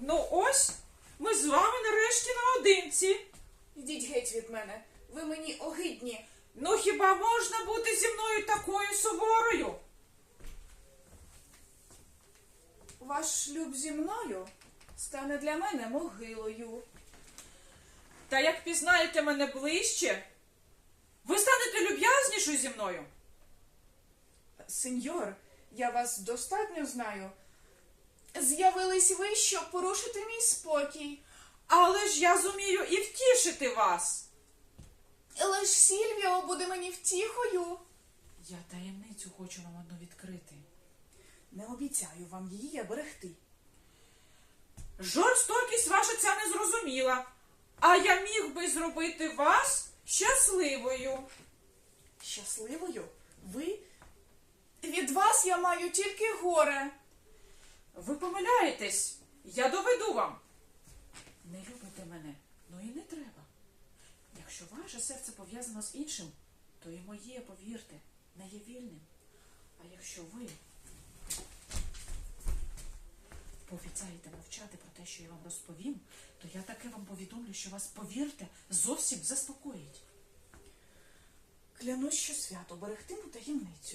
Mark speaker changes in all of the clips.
Speaker 1: Ну ось, ми з вами нарешті наодинці.
Speaker 2: Йдіть геть від мене. Ви мені огидні.
Speaker 1: Ну хіба можна бути зі мною такою суворою?
Speaker 2: Ваш шлюб зі мною стане для мене могилою.
Speaker 1: Та як пізнаєте мене ближче, ви станете люб'язнішою зі мною.
Speaker 2: Сеньор, я вас достатньо знаю. З'явились ви, щоб порушити мій спокій.
Speaker 1: Але ж я зумію і втішити вас.
Speaker 2: Лиш Сільвіо буде мені втіхою.
Speaker 1: Я таємницю хочу вам одну відкрити.
Speaker 2: Не обіцяю вам її берегти.
Speaker 1: Жорстокість ваша ця не зрозуміла, а я міг би зробити вас щасливою.
Speaker 2: Щасливою? Ви? Від вас я маю тільки горе.
Speaker 1: Ви помиляєтесь, я доведу вам. Не любите мене, ну і не треба. Якщо ваше серце пов'язано з іншим, то і моє, повірте, не є вільним. А якщо ви пообіцяєте мовчати про те, що я вам розповім, то я таке вам повідомлю, що вас, повірте, зовсім заспокоїть.
Speaker 2: Клянусь, що свято берегтиму таємницю.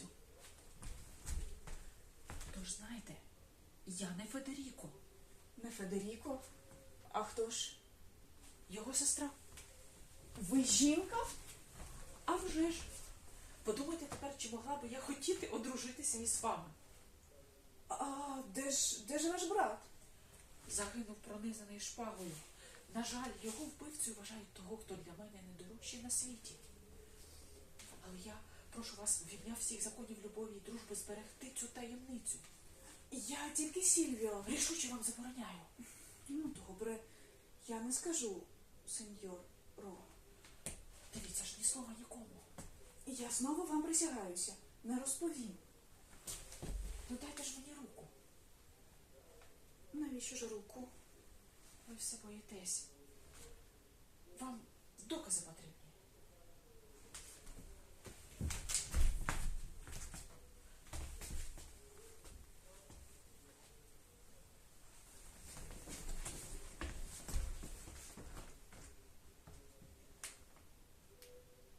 Speaker 1: Тож знаєте, я не Федеріко,
Speaker 2: Не Федеріко? А хто ж?
Speaker 1: його сестра.
Speaker 2: Ви жінка?
Speaker 1: А вже ж. Подумайте тепер, чи могла би я хотіти одружитися із вами.
Speaker 2: А де ж ваш брат?
Speaker 1: Загинув пронизаний шпагою. На жаль, його вбивцею вважають того, хто для мене найдорожчий на світі. Але я прошу вас в ім'я всіх законів любові і дружби зберегти цю таємницю.
Speaker 2: Я тільки Сільвіо.
Speaker 1: Рішуче вам забороняю.
Speaker 2: Ну, добре, я не скажу, сеньор Ро.
Speaker 1: Дивіться ж, ні слова нікому.
Speaker 2: Я знову вам присягаюся. Не розповім.
Speaker 1: Ну дайте ж мені руку.
Speaker 2: Навіщо ж руку?
Speaker 1: Ви все боїтесь. Вам докази потрібні.